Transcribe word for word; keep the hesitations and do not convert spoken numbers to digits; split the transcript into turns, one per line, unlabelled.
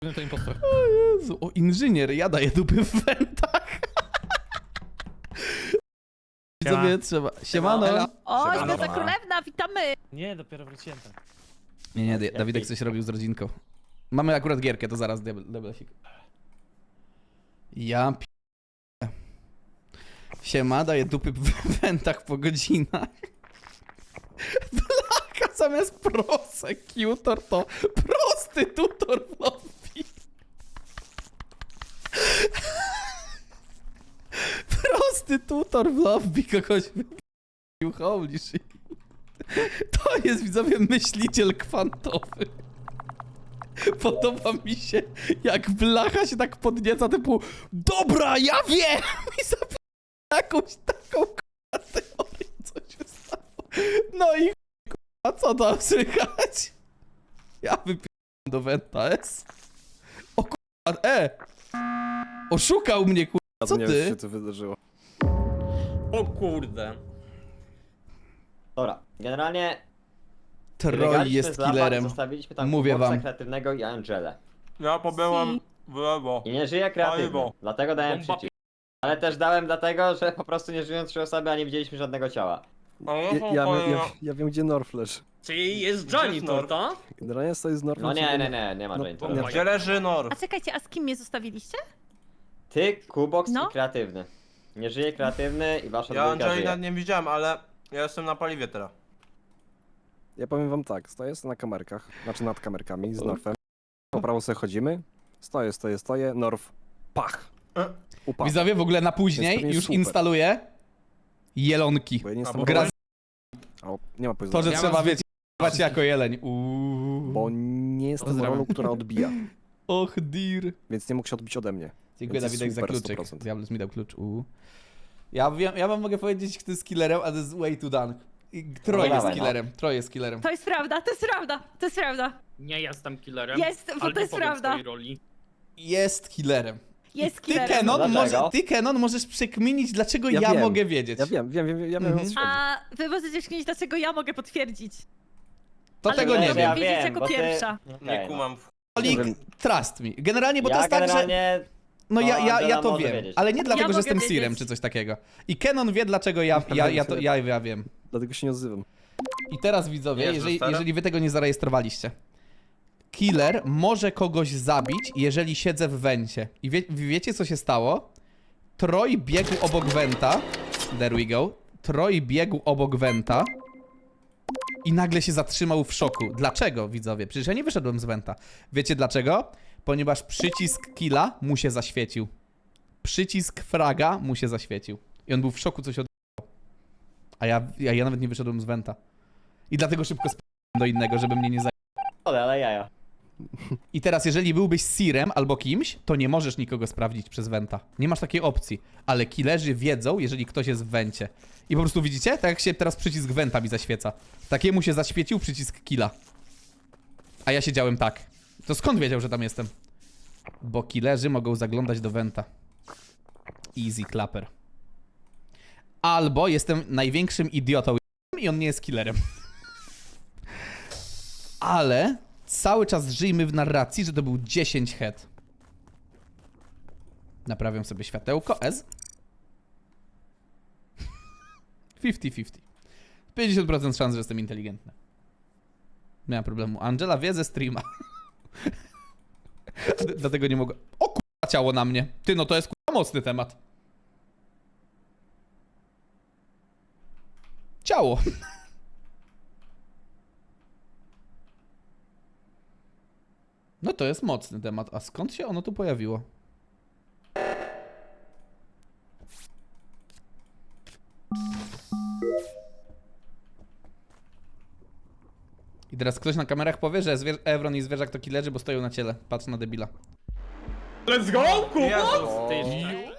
To impostor.
O Jezu, o inżynier, ja daję dupy w wentach. Widzowie, trzeba. Siemano.
O,
Siemano.
Święta Królewna, witamy!
Nie, dopiero wróciłem tam.
Nie, nie, Da- Dawidek coś robił z rodzinką. Mamy akurat gierkę, to zaraz deblesik. Ja p... Siema, daję dupy w wentach po godzinach. Blaka zamiast prosekutor to prostytutor w lobby. Prostytutor w lobby kogoś wybił, holy shit. To jest, widzowie, myśliciel kwantowy. Podoba mi się, jak blacha się tak podnieca, typu dobra, ja wiem! I zapiera jakąś taką k***a teorię, co się stało. No i k***a, co tam słychać? Ja wypierdam do Venta S. O k***a, e! Oszukał mnie, k***a, co
Nie wiem, co
ty?
się tu wydarzyło.
O kurde.
Dobra, generalnie
Troj
biegaliśmy
jest
z laba,
killerem.
Zostawiliśmy tam
Mówię
Kuboksa
wam.
kreatywnego i Angelę.
Ja pobyłem w lewo.
I nie żyje kreatywny,
Paliwo.
dlatego dałem
Bomba
przycisk. Ale też dałem dlatego, że po prostu nie żyją trzy osoby, a nie widzieliśmy żadnego ciała.
A
Ja,
ja,
ja, ja, ja wiem, gdzie Norf leży.
Czyli jest janitor, tak?
Generalnie stoi z Norfem.
No nie,
sobie-
nie, nie, nie ma
No,
Janitora.
nie.
Gdzie leży
A
Norf?
czekajcie, a z kim mnie zostawiliście?
Ty, Kubox
No.
i kreatywny. Nie żyje kreatywny i wasza
Ja
dwójka
Angelina
żyje.
nie widziałem, ale ja jestem na paliwie teraz.
Ja powiem wam tak, stoję na kamerkach, znaczy nad kamerkami z Norfem. Po prawo sobie chodzimy. Stoję, stoję, stoję, Norf. Pach!
E?
Upadł.
Widzowie, w ogóle na później
Jest to nie
już
super.
instaluję jelonki.
Bo ja nie
A,
jestem
bo-
Gra z...
O, nie ma
To, że
powiedzenia.
Ja
trzeba,
mam
wiecie, wać jako jeleń. Uuu.
Bo nie jestem
Pozdrawiam.
rolą, która odbija.
Och, dir.
Więc nie mógł się odbić ode mnie.
Dziękuję,
Więc jest
Dawidek, za
super,
kluczyk.
sto procent.
Diables mi dał klucz. Uuu. Ja wiem, ja wam mogę powiedzieć, kto jest killerem, ale to jest way too done. I Troj
No
jest
dawaj, no.
killerem. Troj jest killerem.
To jest prawda, to jest prawda, to jest prawda.
Nie jestem killerem.
Jest, bo
ale
to
nie
jest
powiem
prawda.
swojej roli.
Jest killerem.
Jest
Ty,
killerem.
Kenon,
Dlaczego?
może, ty, Kenon, możesz przekminić, dlaczego ja,
Ja wiem.
mogę wiedzieć.
Ja wiem, wiem, wiem, ja wiem,
Mhm.
o co chodzi.
A wy możecie śmieć, dlaczego ja mogę potwierdzić.
To
Ale
tego
nie
nie
wiem.
wiem.
wiedzieć jako
bo ty-
pierwsza.
Okej,
Nie
no.
kumam.
Olik,
Nie wiem.
trust me. Generalnie, bo
Ja
to jest tak, że...
generalnie...
No ja,
to
ja, ja
Angela
to
może
wiem,
wiedzieć.
ale nie dlatego,
Ja
że
mogę
jestem
wiedzieć.
Sirem czy coś takiego. I Kenon wie, dlaczego ja, ja, ja, to, ja, ja wiem.
Dlatego się nie odzywam.
I teraz, widzowie,
Nie,
jeżeli,
zostaram?
jeżeli wy tego nie zarejestrowaliście. Killer może kogoś zabić, jeżeli siedzę w wencie. I wie, wiecie, co się stało? Troj biegł obok wenta. There we go. Troj biegł obok wenta. I nagle się zatrzymał w szoku. Dlaczego, widzowie? Przecież ja nie wyszedłem z wenta. Wiecie dlaczego? Ponieważ przycisk killa mu się zaświecił. Przycisk fraga mu się zaświecił. I on był w szoku, co się odbyło. A ja, ja, ja nawet nie wyszedłem z wenta. I dlatego szybko sp***łem do innego, żeby mnie nie zaj...
Ale, ale jaja.
I teraz, jeżeli byłbyś Sirem albo kimś, to nie możesz nikogo sprawdzić przez wenta. Nie masz takiej opcji. Ale killerzy wiedzą, jeżeli ktoś jest w wencie. I po prostu widzicie? Tak jak się teraz przycisk wenta mi zaświeca. Takiemu się zaświecił przycisk killa. A ja siedziałem tak. To skąd wiedział, że tam jestem? Bo killerzy mogą zaglądać do wenta. Easy clapper. Albo jestem największym idiotą i on nie jest killerem. Ale cały czas żyjmy w narracji, że to był dziesięć head. Naprawiam sobie światełko. S. pięćdziesiąt pięćdziesiąt. pięćdziesiąt procent szans, że jestem inteligentny. Nie ma problemu. Angela wie ze streama. D- Dlatego nie mogę... O k***a, ciało na mnie. Ty, no to jest k***a mocny temat. Ciało. No to jest mocny temat. A skąd się ono tu pojawiło? I teraz ktoś na kamerach powie, że Zwier- Evron i Zwierzak to killerzy, bo stoją na ciele. Patrz na debila.
Let's go, Kubo!
Ty jeszcze.